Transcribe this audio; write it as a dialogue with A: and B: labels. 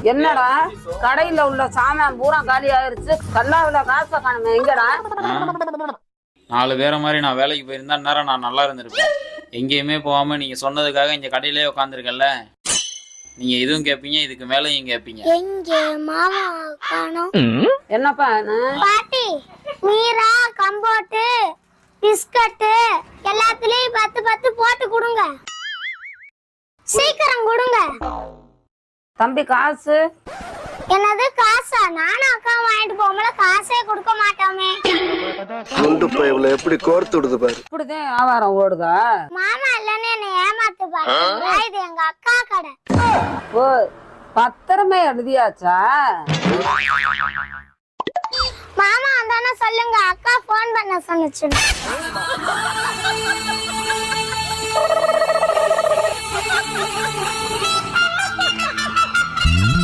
A: என்னடா கடையில உள்ள சாமான் பூரா காலி ஆயிருச்சு, கல்லாவில காசை காணுமே, எங்கடா?
B: 4 பேரை மாதிரி நான் வேலைக்கு போயிருந்தா நேரம் நான் நல்லா இருந்திருப்பேன். எங்கேயுமே போகாம நீங்க சொன்னதுக்காக இங்க கடையிலே உட்காந்துருக்கல. நீங்க இதுவும் கேட்பீங்க, இதுக்கு மேலையும் கேட்பீங்க.
C: எங்க மாமா காணோம்.
A: என்னப்பா
C: பாட்டி, மீரா கம்போட்டு பிஸ்கட் எல்லாத்துலயும் 10 போட்டு கொடுங்க, சீக்கிரம் கொடுங்க.
A: தம்பி காசு?
C: என்னது காசா? நானும் அக்கா வாங்கிட்டு போகும்போது காசே கொடுக்க மாட்டோமே.
D: குண்டு பைப்ல எப்படி கோர்த்து விடுது பாரு.
A: இப்படிதான் வியாபாரம் ஓடுதா?
C: மாமா இல்லன்னு என்ன ஏமாத்து பாரு, இது எங்க அக்கா கடை.
A: ஓ, பத்திரமே எழுதியாச்சா?
C: மாமா வந்தானே சொல்லுங்க, அக்கா போன் பண்ண சொன்னுச்சு.